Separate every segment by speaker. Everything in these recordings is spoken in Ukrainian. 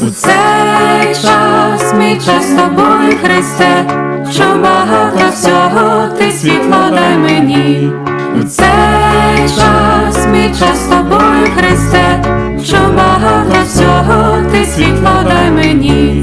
Speaker 1: цей час, мій час з тобою, Христе, що багато всього, ти світло дай мені. У цей час, мій час з тобою, Христе, що багато всього, ти світло дай мені.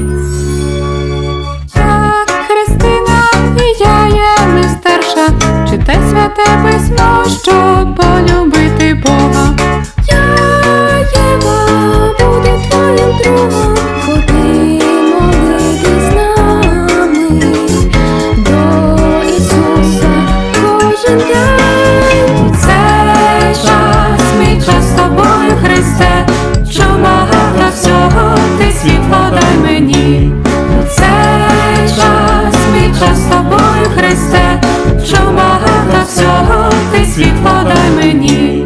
Speaker 1: Так, Христина, і я є не старша, читай святе письмо, щоб полюбити Бога. Я, Єва, буду твоїм другом, ходи молитись з нами до Ісуса кожен день. У цей час, мій час з тобою, Христе, що багато всього, ти світло дай мені. У цей час, мій час з тобою, Христе, що багато всього, ти світло дай мені.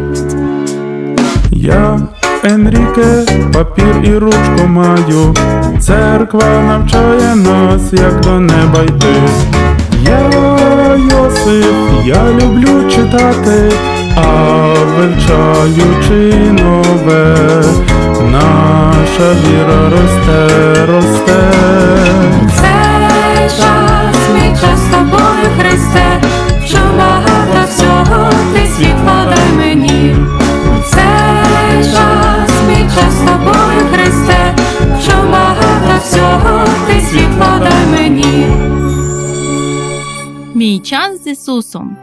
Speaker 2: Я, Енріке, папір і ручку маю, церква навчає нас, як до неба йти. Я, Йосип, я люблю читати, а вивчаючи нове, наша віра росте, росте.
Speaker 1: Цей час, мій час з тобою, Христе, що багато всього, ти світло дай мені. Цей час, мій час з тобою, Христе, що багато всього, ти світло дай мені.
Speaker 3: Мій час з Ісусом.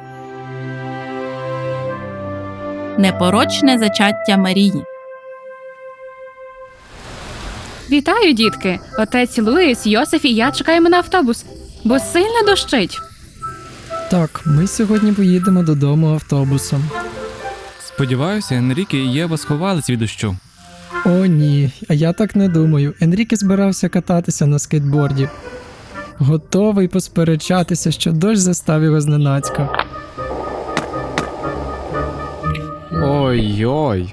Speaker 3: Непорочне зачаття Марії.
Speaker 4: Вітаю, дітки! Отець Луїс, Йосиф і я чекаємо на автобус, бо сильно дощить.
Speaker 5: Так, ми сьогодні поїдемо додому автобусом.
Speaker 6: Сподіваюся, Енріке і Єва сховались від дощу.
Speaker 5: О ні, а я так не думаю. Енріке збирався кататися на скейтборді. Готовий посперечатися, що дощ застав його зненацька.
Speaker 7: Ой-ой.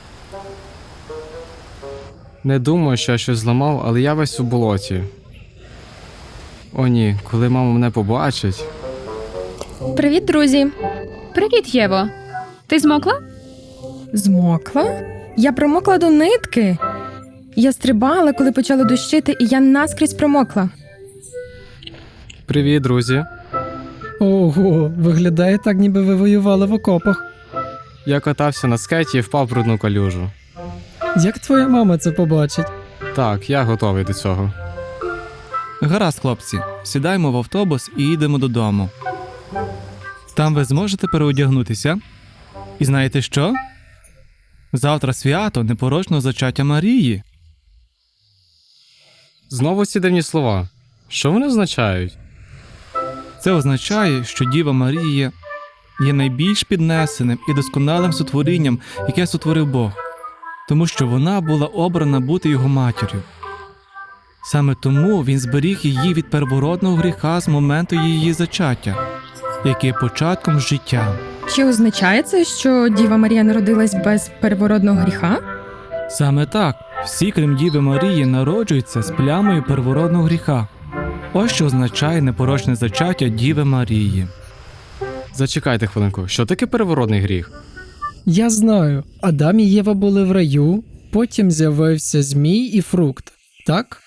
Speaker 7: Не думаю, що я щось зламав, але я весь у болоті. О ні, коли мама мене побачить.
Speaker 4: Привіт, друзі! Привіт, Єво! Ти змокла?
Speaker 8: Змокла? Я промокла до нитки. Я стрибала, коли почало дощити, і я наскрізь промокла.
Speaker 7: Привіт, друзі.
Speaker 5: Ого, виглядає так, ніби ви воювали в окопах.
Speaker 7: Я катався на скейті і впав в брудну калюжу.
Speaker 5: Як твоя мама це побачить?
Speaker 7: Так, я готовий до цього.
Speaker 6: Гаразд, хлопці, сідаємо в автобус і їдемо додому. Там ви зможете переодягнутися. І знаєте що? Завтра свято непорочного зачаття Марії.
Speaker 7: Знову ці дивні слова. Що вони означають?
Speaker 6: Це означає, що Діва Марія є найбільш піднесеним і досконалим сотворінням, яке сотворив Бог, тому що вона була обрана бути його матір'ю. Саме тому він зберіг її від первородного гріха з моменту її зачаття, яке є початком життя.
Speaker 8: Чи означає це, що Діва Марія народилась без первородного гріха?
Speaker 6: Саме так, всі, крім Діви Марії, народжуються з плямою первородного гріха. Ось що означає непорочне зачаття Діви Марії.
Speaker 7: Зачекайте хвилинку, що таке первородний гріх?
Speaker 5: Я знаю, Адам і Єва були в раю, потім з'явився змій і фрукт, так?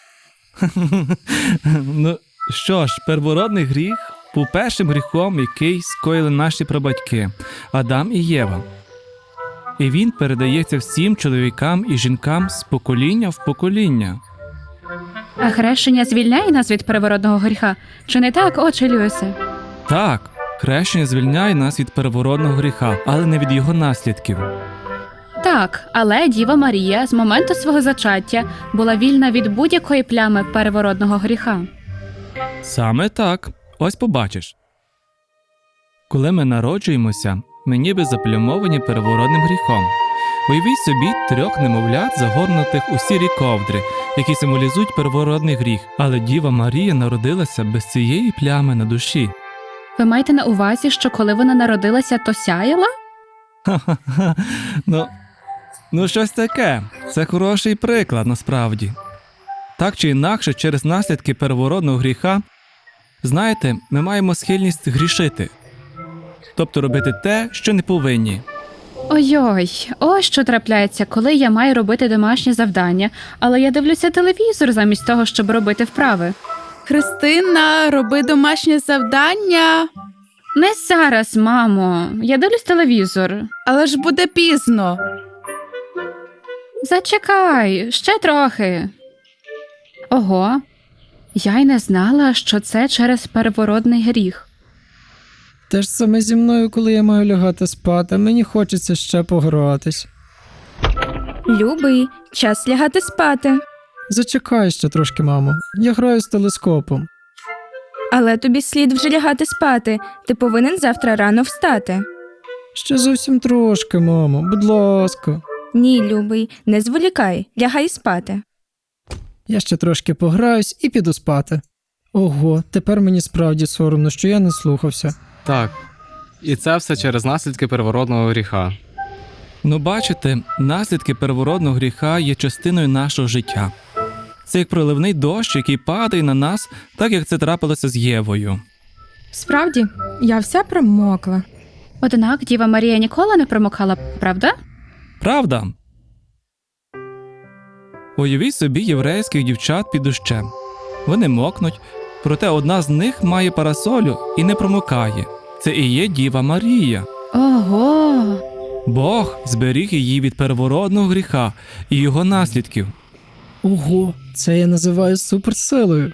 Speaker 6: Ну, що ж, первородний гріх був першим гріхом, який скоїли наші прабатьки – Адам і Єва. І він передається всім чоловікам і жінкам з покоління в покоління.
Speaker 4: А хрещення звільняє нас від первородного гріха? Чи не так, отче Люїсе?
Speaker 6: Так, хрещення звільняє нас від первородного гріха, але не від його наслідків.
Speaker 4: Так, але Діва Марія з моменту свого зачаття була вільна від будь-якої плями первородного гріха.
Speaker 6: Саме так. Ось побачиш. Коли ми народжуємося, ми ніби заплямовані первородним гріхом. Уявіть собі 3 немовлят, загорнутих у сірі ковдри, які символізують первородний гріх. Але Діва Марія народилася без цієї плями на душі.
Speaker 4: Ви маєте на увазі, що коли вона народилася, то сяяла?
Speaker 6: Ха-ха-ха. Ну щось таке. Це хороший приклад, насправді. Так чи інакше, через наслідки первородного гріха, знаєте, ми маємо схильність грішити. Тобто робити те, що не повинні.
Speaker 4: Ой-ой, ось що трапляється, коли я маю робити домашнє завдання, але я дивлюся телевізор замість того, щоб робити вправи.
Speaker 1: Христина, роби домашнє завдання.
Speaker 4: Не зараз, мамо. Я дивлюсь телевізор.
Speaker 1: Але ж буде пізно.
Speaker 4: Зачекай, ще трохи. Ого, я й не знала, що це через первородний гріх.
Speaker 5: Те ж саме зі мною, коли я маю лягати спати, мені хочеться ще погратись.
Speaker 8: Любий, час лягати спати.
Speaker 5: Зачекай ще трошки, мамо. Я граю з телескопом.
Speaker 8: Але тобі слід вже лягати спати. Ти повинен завтра рано встати.
Speaker 5: Ще зовсім трошки, мамо, будь ласка.
Speaker 8: Ні, любий, не зволікай, лягай спати.
Speaker 5: Я ще трошки пограюсь і піду спати. Ого, тепер мені справді соромно, що я не слухався.
Speaker 7: Так. І це все через наслідки первородного гріха.
Speaker 6: Ну, бачите, наслідки первородного гріха є частиною нашого життя. Це як проливний дощ, який падає на нас, так як це трапилося з Євою.
Speaker 8: Справді, я вся промокла.
Speaker 4: Однак Діва Марія ніколи не промокала, правда?
Speaker 6: Правда? Уявіть собі єврейських дівчат під дощем. Вони мокнуть, проте одна з них має парасолю і не промокає. Це і є Діва Марія.
Speaker 4: Ого!
Speaker 6: Бог зберіг її від первородного гріха і його наслідків.
Speaker 5: Ого, це я називаю суперсилою.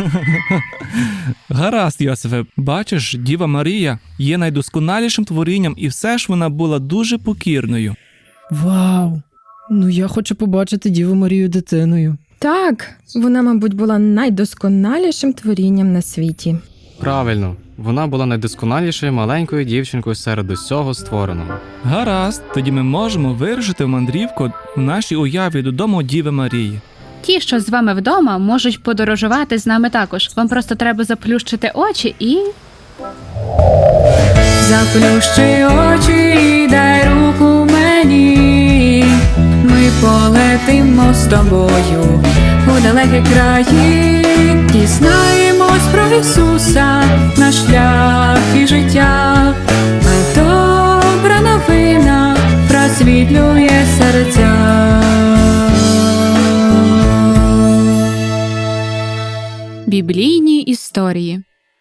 Speaker 6: Гаразд, Йосифе, бачиш, Діва Марія є найдосконалішим творінням, і все ж вона була дуже покірною.
Speaker 5: Вау! Ну я хочу побачити Діву Марію дитиною.
Speaker 8: Так, вона, мабуть, була найдосконалішим творінням на світі.
Speaker 7: Правильно, вона була найдосконалішою маленькою дівчинкою серед усього створеного.
Speaker 6: Гаразд, тоді ми можемо вирушити в мандрівку в нашій уяві додому Діви Марії.
Speaker 4: Ті, що з вами вдома, можуть подорожувати з нами також. Вам просто треба заплющити очі і...
Speaker 1: Заплющи очі і дай руку мені. Ми полетимо з тобою у далекі краї. Дізнаємось про Ісуса, наш шлях і життя. А добра новина просвітлює серця.
Speaker 4: Біблійні історії.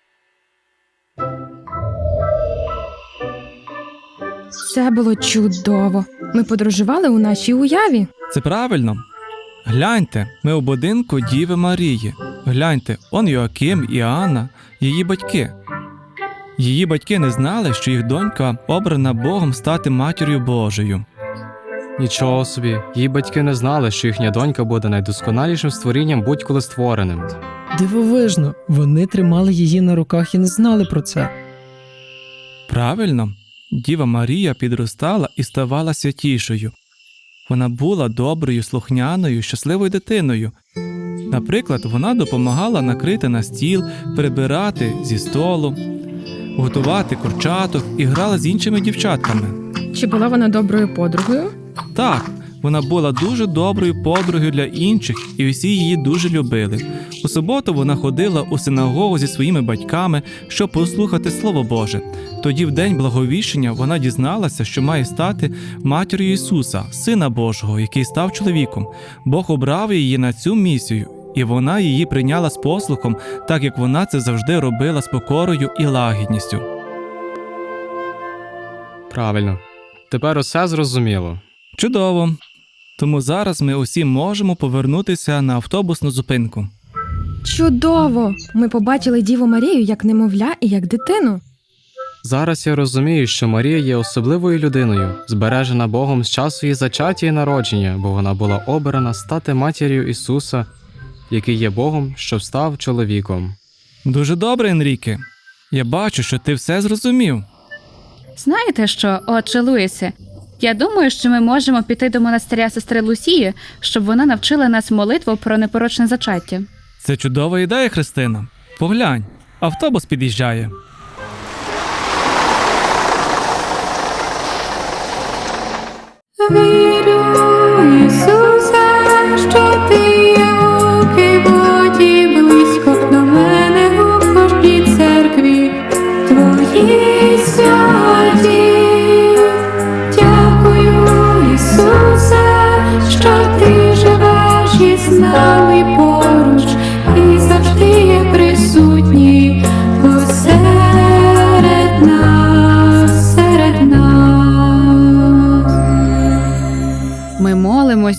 Speaker 8: Це було чудово. Ми подорожували у нашій уяві.
Speaker 6: Це правильно? Гляньте, ми у будинку Діви Марії. Гляньте, он Йоаким і Анна, її батьки. Її батьки не знали, що їх донька обрана Богом стати матір'ю Божою.
Speaker 7: Нічого собі, її батьки не знали, що їхня донька буде найдосконалішим створінням будь-коли створеним.
Speaker 5: Дивовижно, вони тримали її на руках і не знали про це.
Speaker 6: Правильно, Діва Марія підростала і ставала святішою. Вона була доброю, слухняною, щасливою дитиною. Наприклад, вона допомагала накрити на стіл, прибирати зі столу, готувати курчаток і грала з іншими дівчатками.
Speaker 8: Чи була вона доброю подругою?
Speaker 6: Так, вона була дуже доброю подругою для інших, і всі її дуже любили. У суботу вона ходила у синагогу зі своїми батьками, щоб послухати Слово Боже. Тоді в день благовіщення вона дізналася, що має стати матір'ю Ісуса, Сина Божого, який став чоловіком. Бог обрав її на цю місію, і вона її прийняла з послухом, так як вона це завжди робила з покорою і лагідністю.
Speaker 7: Правильно. Тепер усе зрозуміло.
Speaker 6: Чудово! Тому зараз ми усі можемо повернутися на автобусну зупинку.
Speaker 8: Чудово! Ми побачили Діву Марію як немовля і як дитину.
Speaker 7: Зараз я розумію, що Марія є особливою людиною, збережена Богом з часу її зачаття і народження, бо вона була обрана стати матір'ю Ісуса, який є Богом, що став чоловіком.
Speaker 6: Дуже добре, Енріке. Я бачу, що ти все зрозумів.
Speaker 4: Знаєте що, отче Луїсе? Я думаю, що ми можемо піти до монастиря сестри Лусії, щоб вона навчила нас молитву про непорочне зачаття.
Speaker 6: Це чудова ідея, Христина. Поглянь, автобус під'їжджає.
Speaker 1: Вірю, Ісусе, що ти є у воді близько до мене у кожній церкві. Твої святі, дякую.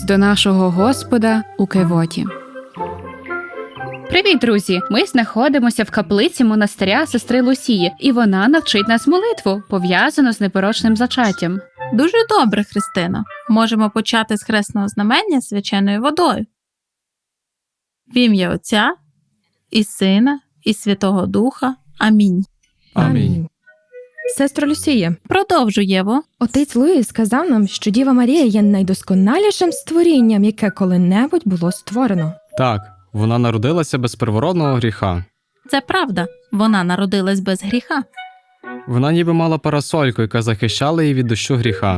Speaker 4: до нашого Господа у Кевоті. Привіт, друзі! Ми знаходимося в каплиці монастиря сестри Лусії, і вона навчить нас молитву, пов'язану з непорочним зачаттям.
Speaker 3: Дуже добре, Христина. Можемо почати з хресного знамення свяченою водою. В ім'я Отця і Сина, і Святого Духа. Амінь.
Speaker 7: Амінь.
Speaker 8: Сестро Люсія,
Speaker 3: Продовжуй, Єво.
Speaker 8: отець Луїс сказав нам, що Діва Марія є найдосконалішим створінням, яке коли-небудь було створено.
Speaker 7: Так, вона народилася без первородного гріха.
Speaker 3: Це правда. Вона народилась без гріха.
Speaker 7: Вона ніби мала парасольку, яка захищала її від дощу гріха.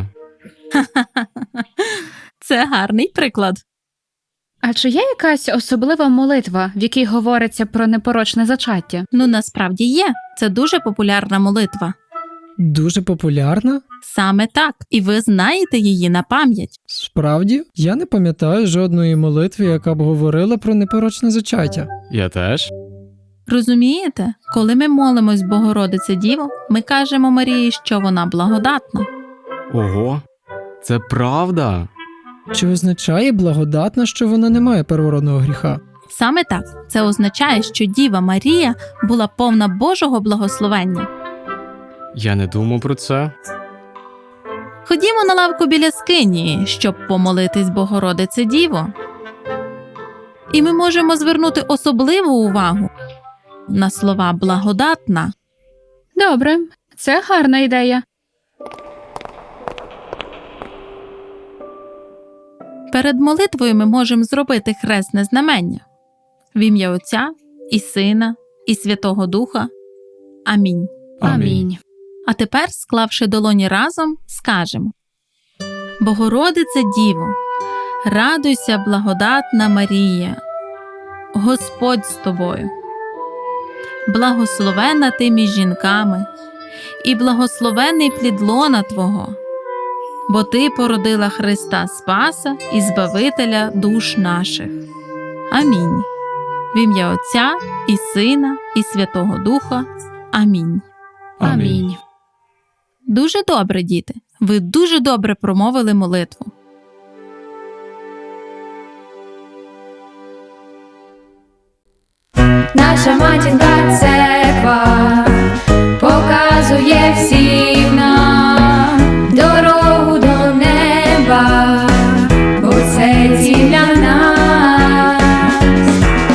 Speaker 3: Це гарний приклад.
Speaker 4: А чи є якась особлива молитва, в якій говориться про непорочне зачаття?
Speaker 3: Ну, насправді є. Це дуже популярна молитва.
Speaker 5: Дуже популярна?
Speaker 3: Саме так. І ви знаєте її на пам'ять.
Speaker 5: Справді, я не пам'ятаю жодної молитви, яка б говорила про непорочне зачаття.
Speaker 7: Я теж.
Speaker 3: Розумієте? Коли ми молимось Богородице Діво, ми кажемо Марії, що вона благодатна.
Speaker 7: Ого, це правда.
Speaker 5: Чи означає благодатна, що вона не має первородного гріха?
Speaker 3: Саме так. Це означає, що Діва Марія була повна Божого благословення.
Speaker 7: Я не думав про це.
Speaker 3: Ходімо на лавку біля скинії, щоб помолитись Богородице Діво. І ми можемо звернути особливу увагу на слова «благодатна».
Speaker 4: Добре, це гарна ідея.
Speaker 3: Перед молитвою ми можемо зробити хресне знамення. В ім'я Отця і Сина, і Святого Духа. Амінь.
Speaker 4: Амінь.
Speaker 3: А тепер, склавши долоні разом, скажемо: Богородице Діво, радуйся, благодатна Марія, Господь з тобою. Благословена ти між жінками, і благословений плід лона Твого, бо Ти породила Христа Спаса і Збавителя душ наших. Амінь. В ім'я Отця і Сина, і Святого Духа. Амінь.
Speaker 4: Амінь.
Speaker 3: Дуже добре, діти. Ви дуже добре промовили молитву.
Speaker 1: Наша матінка церква показує всім нам дорогу до неба, бо це ціль для нас.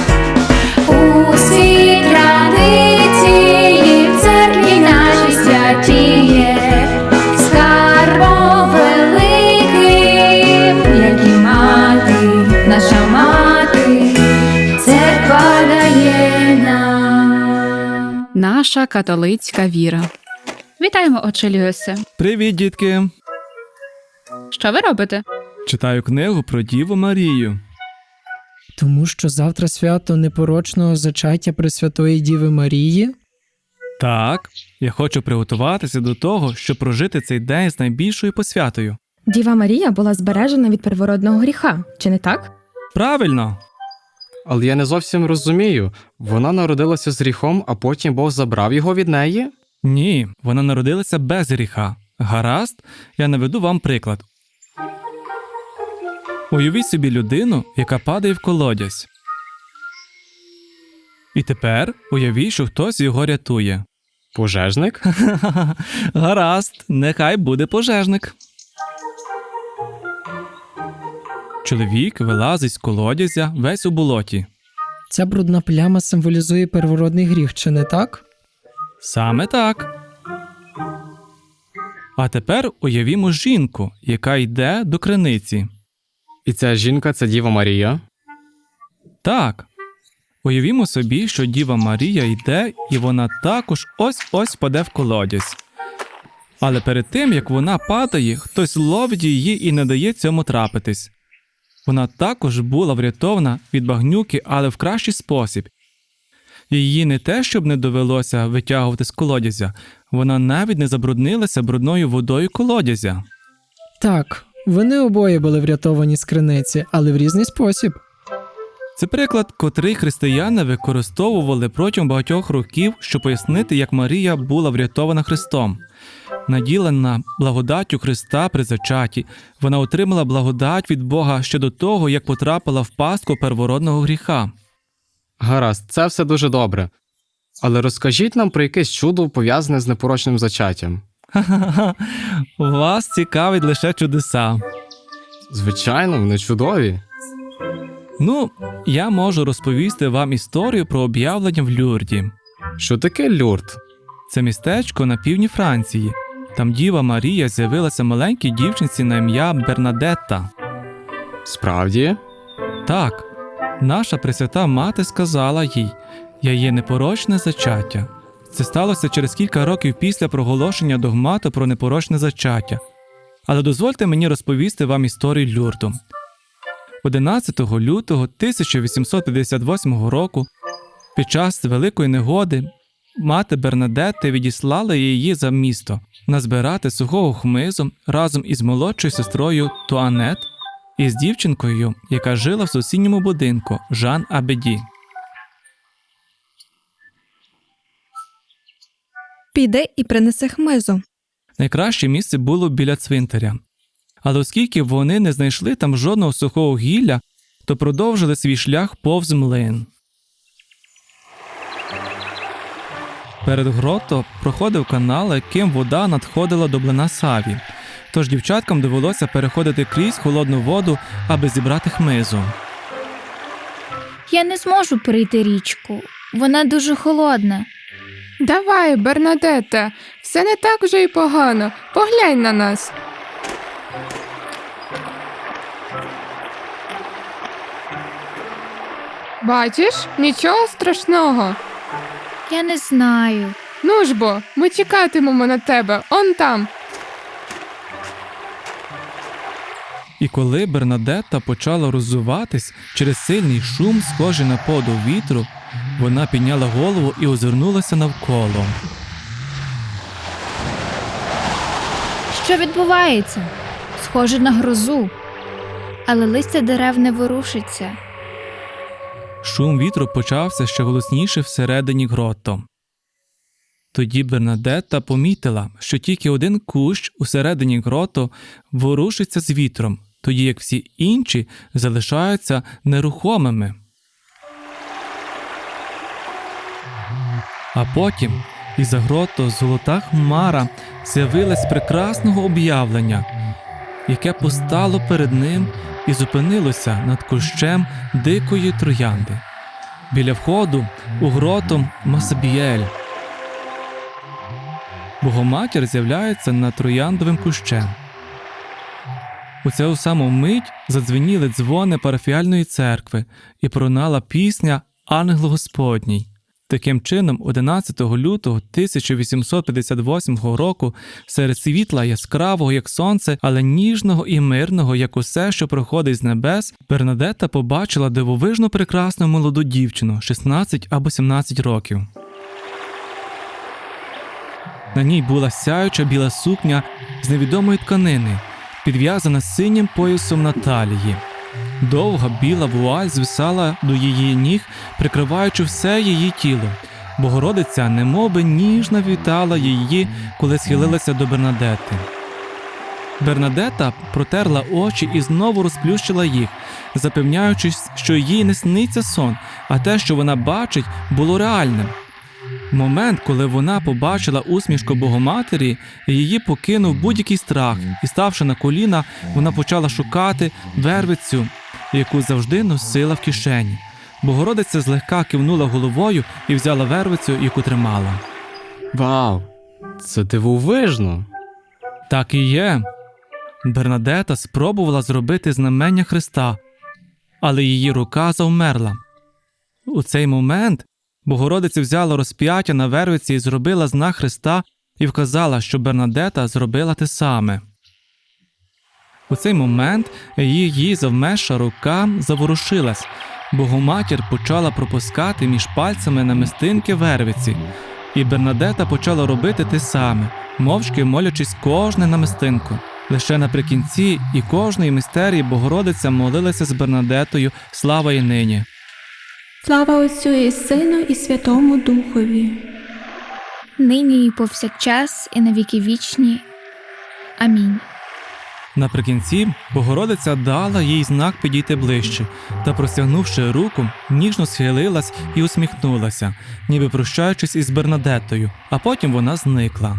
Speaker 1: Усі традиції в церкві нашій святіє, скарбом великим, як і мати, наша мати, церква дає нам.
Speaker 4: Наша католицька віра. Вітаємо, отче Люїсе.
Speaker 6: Привіт, дітки!
Speaker 4: Що ви робите?
Speaker 6: Читаю книгу про Діву Марію.
Speaker 5: Тому що завтра свято непорочного зачаття Пресвятої Діви Марії?
Speaker 6: Так, я хочу приготуватися до того, щоб прожити цей день з найбільшою посвятою.
Speaker 8: Діва Марія була збережена від первородного гріха, чи не так?
Speaker 6: Правильно!
Speaker 7: Але я не зовсім розумію. Вона народилася з гріхом, а потім Бог забрав його від неї?
Speaker 6: Ні, вона народилася без гріха. Гаразд, я наведу вам приклад. Уявіть собі людину, яка падає в колодязь. І тепер уявіть, що хтось його рятує.
Speaker 7: Пожежник?
Speaker 6: Гаразд, нехай буде пожежник. Чоловік вилазить з колодязя весь у болоті.
Speaker 5: Ця брудна пляма символізує первородний гріх, чи не так?
Speaker 6: Саме так. А тепер уявімо жінку, яка йде до криниці.
Speaker 7: І ця жінка – це Діва Марія?
Speaker 6: Так. Уявімо собі, що Діва Марія йде, і вона також ось-ось впаде в колодязь. Але перед тим, як вона падає, хтось ловить її і не дає цьому трапитись. Вона також була врятована від багнюки, але в кращий спосіб. Її не те, щоб не довелося витягувати з колодязя, вона навіть не забруднилася брудною водою колодязя.
Speaker 5: Так, вони обоє були врятовані з криниці, але в різний спосіб.
Speaker 6: Це приклад, котрий християни використовували протягом багатьох років, щоб пояснити, як Марія була врятована Христом. Наділена благодаттю Христа при зачатті, вона отримала благодать від Бога ще до того, як потрапила в пастку первородного гріха.
Speaker 7: Гаразд, це все дуже добре. Але розкажіть нам про якесь чудо, пов'язане з непорочним зачаттям.
Speaker 6: Ха-ха-ха, вас цікавить лише чудеса.
Speaker 7: Звичайно, вони чудові.
Speaker 6: Ну, я можу розповісти вам історію про об'явлення в Люрді.
Speaker 7: Що таке Люрд?
Speaker 6: Це містечко на півдні Франції. Там Діва Марія з'явилася маленькій дівчинці на ім'я Бернадетта.
Speaker 7: Справді?
Speaker 6: Так, наша Пресвята Мати сказала їй: «Я є непорочне зачаття». Це сталося через кілька років після проголошення догмату про непорочне зачаття. Але дозвольте мені розповісти вам історію Люрду. 11 лютого 1858 року, під час великої негоди, мати Бернадетти відіслала її за місто назбирати сухого хмизу разом із молодшою сестрою Туанет і з дівчинкою, яка жила в сусідньому будинку, Жан Абеді.
Speaker 8: Піди і принеси хмизу.
Speaker 6: Найкраще місце було біля цвинтаря. Але оскільки вони не знайшли там жодного сухого гілля, то продовжили свій шлях повз млин. Перед гротто проходив канал, яким вода надходила до млина Саві. Тож дівчаткам довелося переходити крізь холодну воду, аби зібрати хмизу.
Speaker 9: Я не зможу перейти річку. Вона дуже холодна.
Speaker 1: Давай, Бернадетта, все не так вже й погано. Поглянь на нас. Бачиш, нічого страшного.
Speaker 9: Я не знаю.
Speaker 1: Ну ж бо, ми чекатимемо на тебе, он там.
Speaker 6: І коли Бернадетта почала роззуватись через сильний шум, схожий на подув вітру, вона підняла голову і озирнулася навколо.
Speaker 9: Що відбувається? Схоже на грозу. Але листя дерев не ворушиться.
Speaker 6: Шум вітру почався ще голосніше всередині гротто. Тоді Бернадетта помітила, що тільки один кущ усередині гротто ворушиться з вітром, тоді як всі інші залишаються нерухомими. А потім із-за гротто золота хмара з'явилась прекрасного об'явлення, яке постало перед ним і зупинилося над кущем дикої троянди. Біля входу у гротто Масабіель. Богоматір з'являється над трояндовим кущем. У цю саму мить задзвеніли дзвони парафіальної церкви і пролунала пісня «Ангел Господній». Таким чином, 11 лютого 1858 року, серед світла яскравого, як сонце, але ніжного і мирного, як усе, що проходить з небес, Бернадетта побачила дивовижно прекрасну молоду дівчину, 16 або 17 років. На ній була сяюча біла сукня з невідомої тканини, підв'язана синім поясом на талії. Довга біла вуаль звисала до її ніг, прикриваючи все її тіло. Богородиця немовби ніжно вітала її, коли схилилася до Бернадетти. Бернадетта протерла очі і знову розплющила їх, запевняючись, що їй не сниться сон, а те, що вона бачить, було реальним. Момент, коли вона побачила усмішку Богоматері, її покинув будь-який страх, і, ставши на коліна, вона почала шукати вервицю, яку завжди носила в кишені. Богородиця злегка кивнула головою і взяла вервицю, яку тримала.
Speaker 7: Вау! Це дивовижно!
Speaker 6: Так і є. Бернадетта спробувала зробити знамення Христа, але її рука завмерла. У цей момент Богородиця взяла розп'яття на вервиці і зробила знак Христа і вказала, що Бернадетта зробила те саме. У цей момент її завмерша рука заворушилась. Богоматір почала пропускати між пальцями намистинки вервиці, і Бернадетта почала робити те саме, мовчки молячись кожне намистинку. Лише наприкінці і кожної мистерії Богородиця молилася з Бернадеттою «Слава і нині».
Speaker 1: Слава Отцю і Сину і Святому Духові.
Speaker 9: Нині і повсякчас, і на віки вічні. Амінь.
Speaker 6: Наприкінці Богородиця дала їй знак підійти ближче, та, простягнувши руку, ніжно схилилась і усміхнулася, ніби прощаючись із Бернадеттою, а потім вона зникла.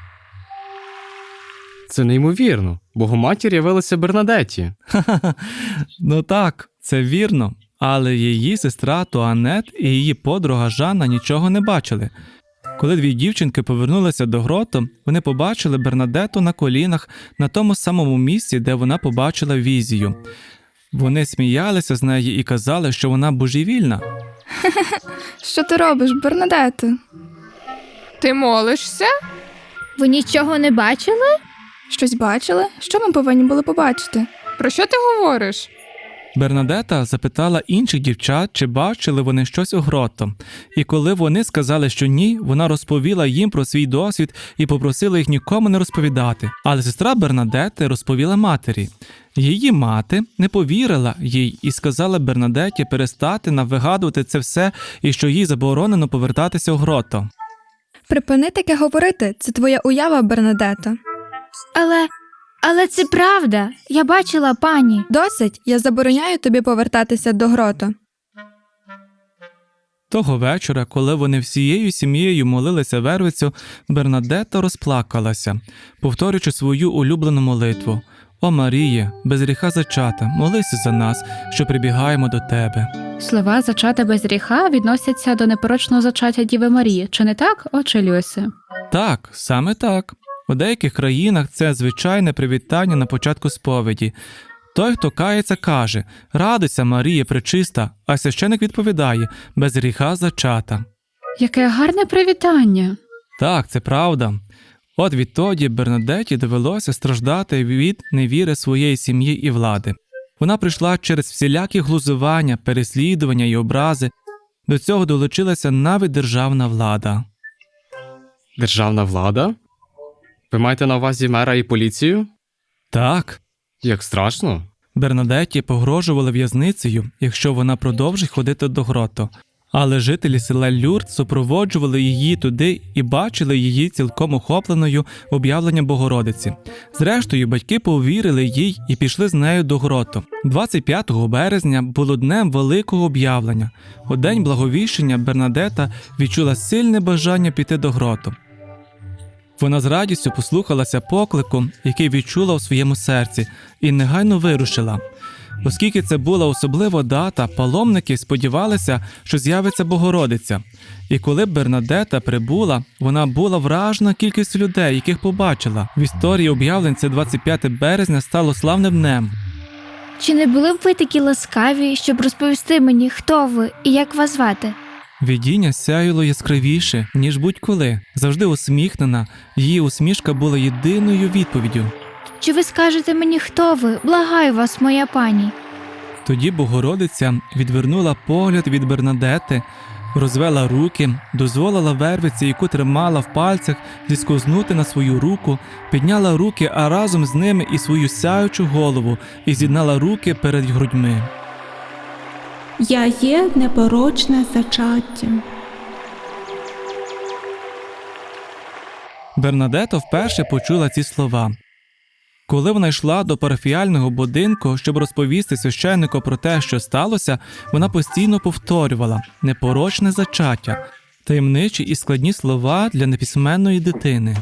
Speaker 7: Це неймовірно. Богоматір явилася Бернадетті.
Speaker 6: Ха-ха-ха. Ну так, це вірно, але її сестра Туанет і її подруга Жанна нічого не бачили. Коли дві дівчинки повернулися до гроту, вони побачили Бернадетту на колінах на тому самому місці, де вона побачила візію. Вони сміялися з неї і казали, що вона божевільна.
Speaker 10: Що ти робиш, Бернадетто?
Speaker 8: Ти молишся?
Speaker 9: Ви нічого не бачили?
Speaker 10: Щось бачили? Що ми повинні були побачити?
Speaker 8: Про що ти говориш?
Speaker 6: Бернадета запитала інших дівчат, чи бачили вони щось у гроту. І коли вони сказали, що ні, вона розповіла їм про свій досвід і попросила їх нікому не розповідати. Але сестра Бернадети розповіла матері. Її мати не повірила їй і сказала Бернадеті перестати навигадувати це все і що їй заборонено повертатися у гроту.
Speaker 10: Припини таке говорити, це твоя уява, Бернадетто.
Speaker 9: Але це правда. Я бачила пані.
Speaker 10: Досить, я забороняю тобі повертатися до гроту.
Speaker 6: Того вечора, коли вони всією сім'єю молилися вервицю, Бернадетта розплакалася, повторюючи свою улюблену молитву. «О Маріє, без гріха зачата, молися за нас, що прибігаємо до тебе».
Speaker 4: Слова «зачата без гріха» відносяться до непорочного зачаття Діви Марії. Чи не так, отче Люсе?
Speaker 6: Так, саме так. У деяких країнах це звичайне привітання на початку сповіді. Той, хто кається, каже «Радуйся, Марія пречиста», а священик відповідає «Без гріха зачата».
Speaker 4: Яке гарне привітання!
Speaker 6: Так, це правда. От відтоді Бернадетті довелося страждати від невіри своєї сім'ї і влади. Вона прийшла через всілякі глузування, переслідування і образи. До цього долучилася навіть державна влада.
Speaker 7: Державна влада? Ви маєте на увазі мера і поліцію?
Speaker 6: Так,
Speaker 7: Як страшно.
Speaker 6: Бернадетті погрожували в'язницею, якщо вона продовжить ходити до гроту. Але жителі села Люрд супроводжували її туди і бачили її цілком охопленою об'явленням Богородиці. Зрештою, батьки повірили їй і пішли з нею до гроту. 25 березня було днем великого об'явлення. У день благовіщення Бернадета відчула сильне бажання піти до гроту. Вона з радістю послухалася поклику, який відчула у своєму серці, і негайно вирушила. Оскільки це була особлива дата, паломники сподівалися, що з'явиться Богородиця. І коли Бернадета прибула, вона була вражена кількістю людей, яких побачила. В історії об'явлень це 25 березня стало славним днем.
Speaker 9: Чи не були б ви такі ласкаві, щоб розповісти мені, хто ви і як вас звати?
Speaker 6: Видіння сяїло яскравіше, ніж будь-коли. Завжди усміхнена, її усмішка була єдиною відповіддю.
Speaker 9: Чи ви скажете мені, хто ви? Благаю вас, моя пані.
Speaker 6: Тоді Богородиця відвернула погляд від Бернадети, розвела руки, дозволила вервиці, яку тримала в пальцях, зіскознути на свою руку, підняла руки, а разом з ними і свою сяючу голову, і з'єднала руки перед грудьми.
Speaker 1: Я є непорочне зачаття.
Speaker 6: Бернадета вперше почула ці слова. Коли вона йшла до парафіяльного будинку, щоб розповісти священнику про те, що сталося, вона постійно повторювала «непорочне зачаття» – таємничі і складні слова для неписьменної дитини.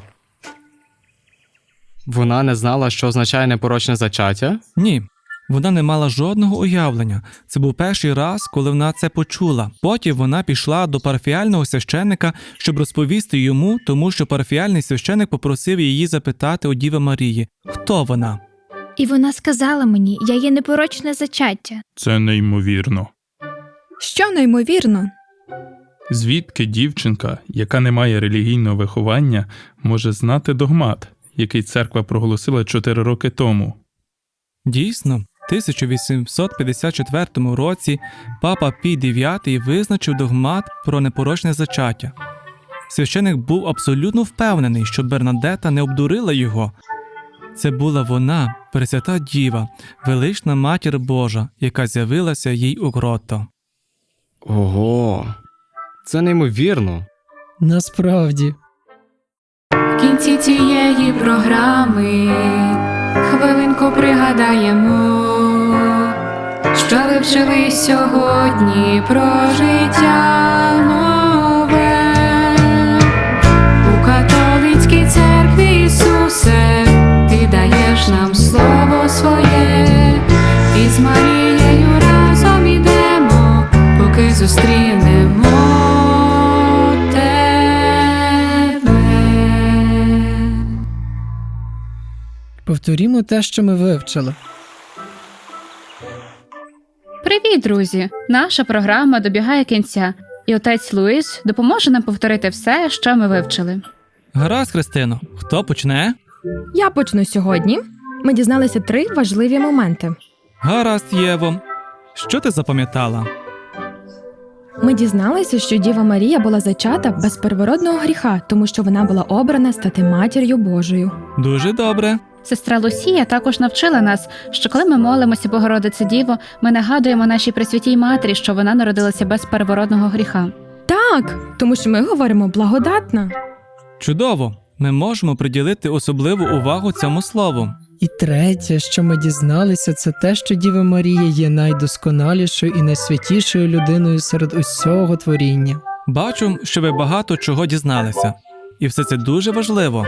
Speaker 7: Вона не знала, що означає непорочне зачаття?
Speaker 6: Ні, вона не мала жодного уявлення. Це був перший раз, коли вона це почула. Потім вона пішла до парафіяльного священника, щоб розповісти йому, тому що парафіяльний священик попросив її запитати у Діви Марії, хто вона.
Speaker 9: І вона сказала мені, я є непорочне зачаття.
Speaker 2: Це неймовірно.
Speaker 10: Що неймовірно?
Speaker 2: Звідки дівчинка, яка не має релігійного виховання, може знати догмат, який церква проголосила 4 роки тому?
Speaker 6: Дійсно, в 1854 році папа Пій IX визначив догмат про непорочне зачаття. Священик був абсолютно впевнений, що Бернадета не обдурила його. Це була вона, Пресвята Діва, велична Матір Божа, яка з'явилася їй у гротто.
Speaker 7: Ого, це неймовірно.
Speaker 5: Насправді.
Speaker 1: В кінці цієї програми хвилинку пригадаємо, що ви вчили сьогодні про життя нове. У католицькій церкві, Ісусе, ти даєш нам слово своє, і з Марією разом ідемо, поки зустрінемо тебе.
Speaker 5: Повторімо те, що ми вивчили.
Speaker 4: Привіт, друзі! Наша програма добігає кінця, і отець Луїс допоможе нам повторити все, що ми вивчили.
Speaker 6: Гаразд, Христино, хто почне?
Speaker 8: Я почну сьогодні. Ми дізналися 3 важливі моменти.
Speaker 6: Гаразд, Єво. Що ти запам'ятала?
Speaker 8: Ми дізналися, що Діва Марія була зачата без первородного гріха, тому що вона була обрана стати матір'ю Божою.
Speaker 6: Дуже добре.
Speaker 4: Сестра Лусія також навчила нас, що коли ми молимося Богородице Діво, ми нагадуємо нашій Пресвятій Матері, що вона народилася без первородного гріха.
Speaker 8: Так, тому що ми говоримо благодатна.
Speaker 6: Чудово. Ми можемо приділити особливу увагу цьому слову.
Speaker 5: І третє, що ми дізналися, це те, що Діва Марія є найдосконалішою і найсвятішою людиною серед усього творіння.
Speaker 6: Бачу, що ви багато чого дізналися. І все це дуже важливо.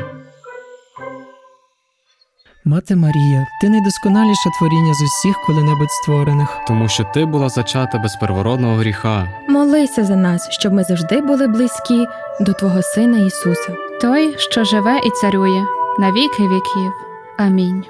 Speaker 5: Мати Марія, ти найдосконаліше творіння з усіх коли-небудь створених.
Speaker 7: Тому що ти була зачата без первородного гріха.
Speaker 8: Молися за нас, щоб ми завжди були близькі до Твого Сина Ісуса.
Speaker 4: Той, що живе і царює на віки віків. Амінь.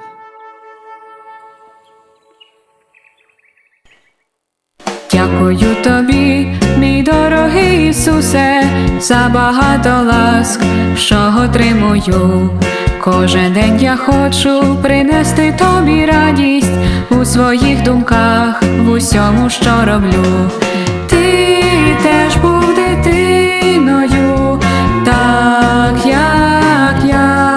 Speaker 1: Дякую тобі, мій дорогий Ісусе, за багато ласк, що отримую. Кожен день я хочу принести тобі радість у своїх думках, в усьому, що роблю. Ти теж був дитиною, так як я.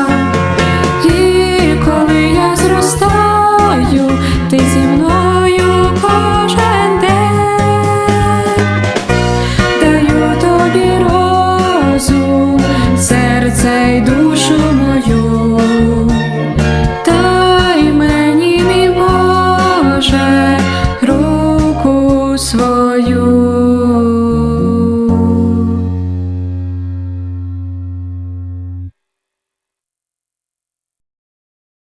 Speaker 1: І коли я зростаю, ти зі мною кожен день. Даю тобі розум, серце й душу